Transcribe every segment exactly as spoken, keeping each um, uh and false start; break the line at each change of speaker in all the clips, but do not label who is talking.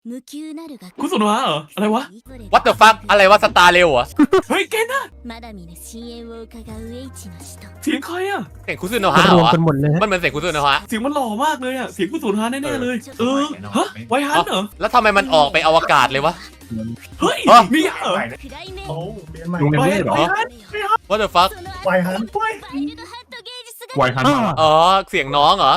คุณสุนทรเหรออะไรวะ
What the fuck อะไรวะสตาร์เร็วเหรอ
เฮ้ยเกนอะเสียงใครอะ
เสียงคุซุโนะฮะเห
ร
ร
วม
อ
กันหมดเลย
มันเหมือนเสียงคุซุโนะฮะ
เสียงมันหล่อมากเลยอะเสียงคุณสุนทรแน่ๆเลย เออฮะไวฮันเหรอ
แล้วทำไมมันออกไปอวกาศเลยวะ
เฮ้ย
ฮะ
มีเหรอ
โอ้เรียนใหม่
ลุง
ไว
เรียน
ฮั
ไม่
น
ได้เหรอ
ไวฮัน
What the fuck
ไวฮัน
ไวฮันมา
อ๋อเสียงน้องเหรอ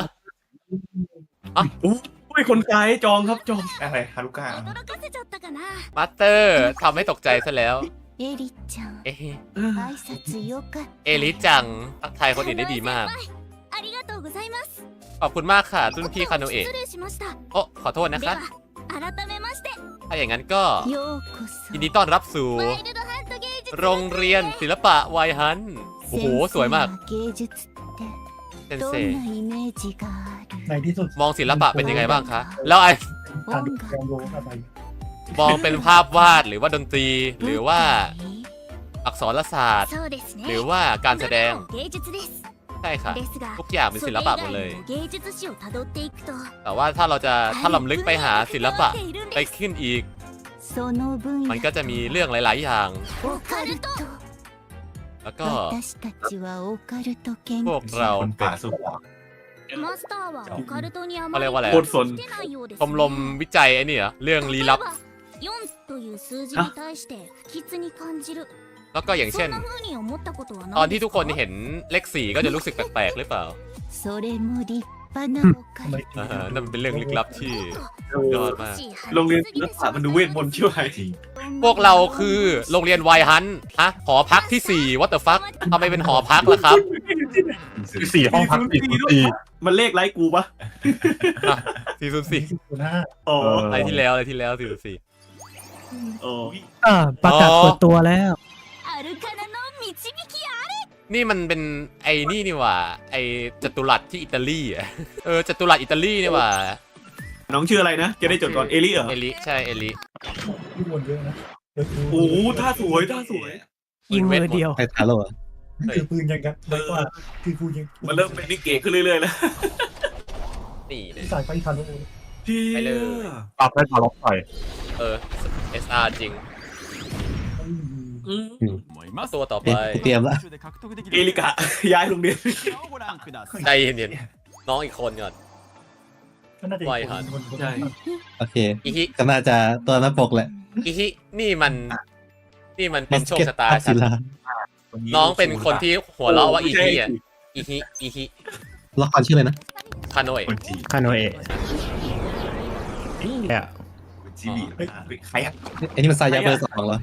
อุ้ยคนไกลจองครับจอง
อะไรฮารุก้า
มาสเตอร์ทำให้ตกใจซะแล้ว
エリちゃん
เอ๊ะ
เออ
挨拶よかっ
เอลิจังทักทายคนอื่นได้ดีมาก
ありがとうございます
ขอบคุณมากค่ะรุ่นพี่คาโนะเอะ
失礼しました
โอ้ขอโทษนะ
で
คะ
は改めまして
ถ้าอย่างนั้นก็
ようこそ
ยินดีต้อนรับสู่
ワイルドハント芸術
โรงเรียนศิลปะไวฮัน โอ้โห สวยมาก
先生は芸術って
เซน
どん
เซ
なイメージがある
ในที่สุด
มองศิลปะเป็นยังไงบ้างคะ แล้วไอ
การดูการรู้อะไร
มองเป็นภาพวาดหรือว่าดนตรี หรือว่าอักษรศาสตร์
そうですね
หรือว่าการแสดง
芸術です
ใช่ค่ะ
ですが
ทุกอย่างเป็นศิลปะหมดเลย
それ以外の芸術史をたどっていくと
แต่ว่าถ้าเราจะถ้าลำลึกไปหาศิลปะไปขึ้นอีก
その分
มัน
野
ก็จะมีเรื่องหลาย ๆ อย่าง
オカルト
แล้วก็
私たちはオカルト研
พว
究
กเรา
คนป่าสุข
マスターはオカルトにあ
เขา
ま
เรี
り
ยกว่าอะไร
โคตรสน
来てないようです
ชมรมวิจัยไอ้นี่เหรอเรื่องลี้ลับ
よんという数字に対して不吉に感じる
แล้วก็อย่างเช่น
そんな風に思ったことは
ตอน
ない
ที่
です
ทุกคน
か
เห็นเลขสี่ก็จะรู้สึกแปลก ๆ หรือเปล่า
それも立派なオカル
อ่าฮะนั่นมันเป็นเรื่องลึกลับที่ ยอดมาก
โรงเรียนศิลปะมันดูเวทมนต์เชื่อไหม
จริง
พวกเราคือโรงเรียนไวฮันฮะหอพักที่สี่ what the fuck ทำไมเป็นหอพักล่ะครับ
สี่ห้องพักสี่ศูนย์สี่
มันเลขไลค์กูปะ
สี่ศูนย์สี่
ศูนย์ห้า
อ๋อ
อะไรที่แล้วอะไรที่แล้วสี่ศูนย์สี่
อ๋อ
อ่าประกาศเปิดตัวแล้ว
アルカナの導きや
นี่มันเป็นไอ้นี่นี่หว่า ไอ้จัตุรัสที่อิตาลีอะเออจัตุรัสอิตาลีนี่หว่า
น้องชื่ออะไรนะ จะได้จดก่อนเอลิเหรอ
เอลิใช่เอลิ
ที่วนเยอะนะเดี๋ยวดู
โอ้โหท่าสวยท่าสวย
ยิงมือเดียว
ไอ้ทาโร่อะ
คือปืนยังกันไว้กว่าคือกูยัง
มันเริ่มเป็นนิเกขึ้นเรื่อยๆแล้ว
นี่นะ
สายไฟคาร์โล
พี่
ไปเลย
ปรับให้ต่อล็อกต่อย
เออ เอส อาร์ จริง
อืม
ตัวต่อไป
เตรียมละ
เอลิกะ ย้ายโรงเรียน
ใจเย็นๆน้องอีกคนก่อน
ก็น่าจะ
ใช่
โอเค
อีฮิ
ก็น่าจะตัวหน้าปกแหละ
อีฮินี่มัน นี่มันเป็นโชคชะตา
ศิ
ฉัน
ลา
น้องเป็นคนที่หัวเราะว่าอีฮิอ่ะอีฮิอีฮิ
ละครชื่ออะไรนะ
คาโนเอะ
คนจีน
คาโนเอะเนี่ย
คนจีบีใครอ่ะ
ไอ้นี่มันซายาเบอร์สองเหรอ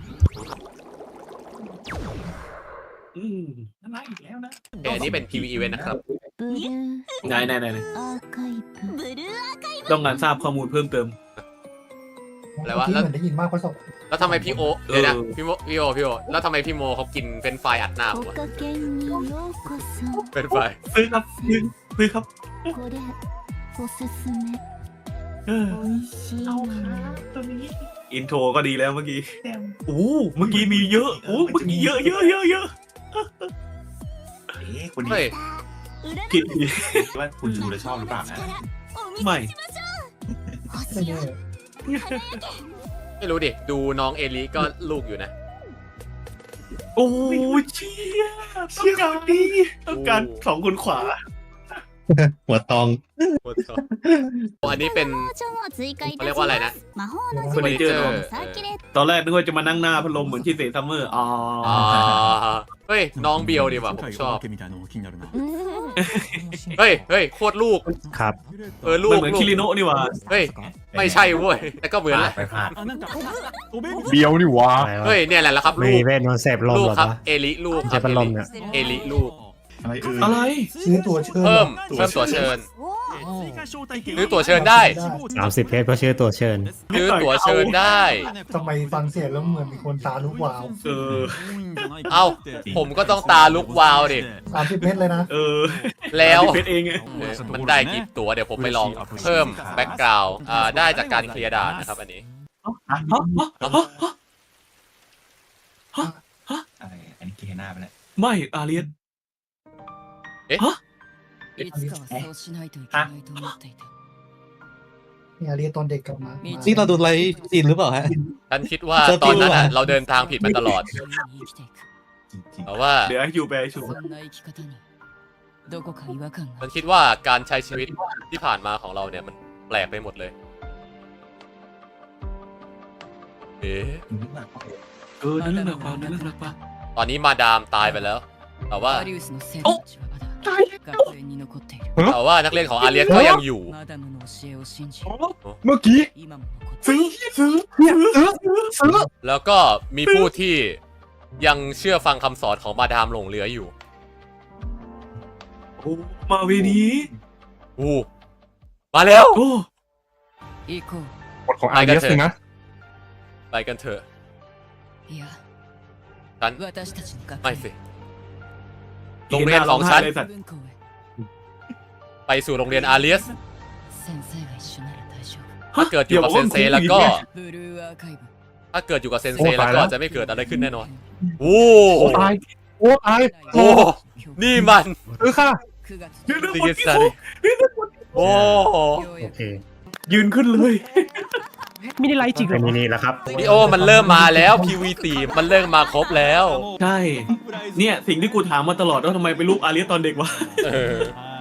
อืม
อะไรอีกแล้วนะ
เออนี่เป็น พี วี Event นะครับ
ブルー
ไหนไหนไหนไหน
アーカイブブルーアーカイブ
ต้องการทราบข้อมูลเพิ่มเติม
อะไรวะ
ที่เหมือนได้ยินมากกว่าสอง
แล้วทำไมพี่โอเดี๋ยวนะ
เออ
พี่โมพี่โอพี่โอแล้วทำไมพี่โมเขากินเป็นไฟรายอัดหน้าผม
お
วะ
かけにようこそ
เป็นไฟราย
ซื้อครับซื้อซื้อครับ
これおすすめ
เออ
おいしいのよ
ตัวนี้
อินโทรก็ดีแล้วเมื่อกี้
แต้ม
โอ้เมื่อกี้มีเยอะโอ้เมื่อกี้เยอะเยอะเยอะเยอะ
เอ๊ะคน
เฮ้
นี้
ย
ผิด
ว่าคุณดูแล้วชอบหรือเปล่านะ
ไม่
ไม่แน่
ไม่รู้ดิ ดูน้องเอลิก็ลูกอยู่นะ
โอ้เชี่ยต้องการดีต้องการสองคนขวา
หัวตอง
อันนี้เป็น เขาเรียกว่าอะไรนะ
魔法の
เฟอร์นิเจอร์
サーキュレー
ตอนแรกนึกว่าจะมานั่งหน้าพัดลมเหมือนที่เซซัมเมอร์อ๋อ
อ่าเฮ้ย น้องเบียวดีว่ะผมชอบ เฮ้ยเฮ้ยโคตรลูก
ครับ
เออลู
มัน
ก
เหมือน
ลู
คิ
ก
ริโนะนี่หว่า
เฮ้ย ไม่ใช่เว้ย แต่ก็เหมือน
พ
แห
ลาด
ละ
ไปพลาด
เบียวนี่วะ
เฮ้ย เนี่ยแหละครับ
มี
ลูก
เวทมนต์เสพลม
ลูก
เหรอ
ครับ
วะ
เอลิลูกค
ใช้
รับ
พัดลมเนี่ย
เอลิลูก
อะไรเอ่ย
อะไร
ซื้อตัวเชิญ
เพิ่ม เพิ่มตัวเชิญ ซื้อตั๋วเชิญได้
สามสิบเพชรก็ชื่อตัวเชิญ
ซื้อตั๋วเชิญได้
ทำไมฟังเสียงแล้วเหมือนมีคนตาลุกวาว
เออ
เอ้า ผมก็ต้องตาลุกวาวดิ
สามสิบเมตรเลยนะ
เออ
แล้ว
เพชรเองไง
เออมันได้กี่ตั๋วเดี๋ยวผมไปลองเพิ่มแบ็กกราวด์อ่าได้จากการเคลียร์ด่านนะครับอันนี้
ฮะ
ฮะฮะฮะฮะ
อะไรอันนี้เกหน้าไปแล้ว
ไม่อาเรียน
いつかはそうしないといけないと思っていた。
เนี่ยเรียนตอนเด็กกลับมา
นี่เราดูไลฟ์จีนหรือเปล่าฮะ
ฉันคิดว่าตอนนั้นอ่ะเราเดินทางผิดมาตลอด
จริง
แต่ว่า
เดี๋ยวให้อยู่ไปชู
そんな生き方にどこか違和感
ฉั
が
นคิดว่าการใช้ชีวิตที่ผ่านมาของเราเนี่ยมันแปลกไปหมดเลย เอ๊ะ
ๆนึกว่า
เออนั่นเรื่องความนั่นเรื่องปะ
ตอนนี้มาดามตายไปแล้ว แต่ว่า
アリウスの生徒たちはまだ学園に残っている
แต่ว่านักเรียนของอาเลียสก็ยังอยู่
マダムの教えを信じ
เมื่อกี้
今も残ってい
ซื้
る
อซื้อ
เนี่ยซื้อซื้อ
แล้วก็มีผู้ที่ยังเชื่อฟังคำสอนของมาดามหลงเหลืออยู่
โอ้มาเวนี้
อู้มาแล้ว
โอ้
行こ
กฎของอาร์เอสนะ
ไปกันเถอะ
ういや
ฉัน
私たちの学
ไม่
園
สิ โรงเรียนของฉัน
เลยสัตว์
文校へ
ไปสู่โรงเรียนอาเลียส
先生が一緒なら大丈
ถ้าเกิดอยู่กับเซนเซแล้วก็
夫ブルーアーカイブ
ถ้าเกิดอยู่กับเซนเซแล้วก็จะไม่เกิดอะไรขึ้นแน่นอน โอ้
โอ้ตายโอ้ตาย
โอ้นี่มัน
ซื้อค่ะ
くがつ
ดิกิสาริโอ้
โอเค
ยืนขึ้นเลย
มินิไลท์จริงเหรอมินิแล้วครับ
ดิโอมันเริ่มมาแล้ว พี วี สี่ มันเริ่มมาครบแล้ว
ใช่ เนี่ยสิ่งที่กูถามมาตลอดว่าทำไมเป็นลูกอาเลียสตอนเด็กวะ
เออ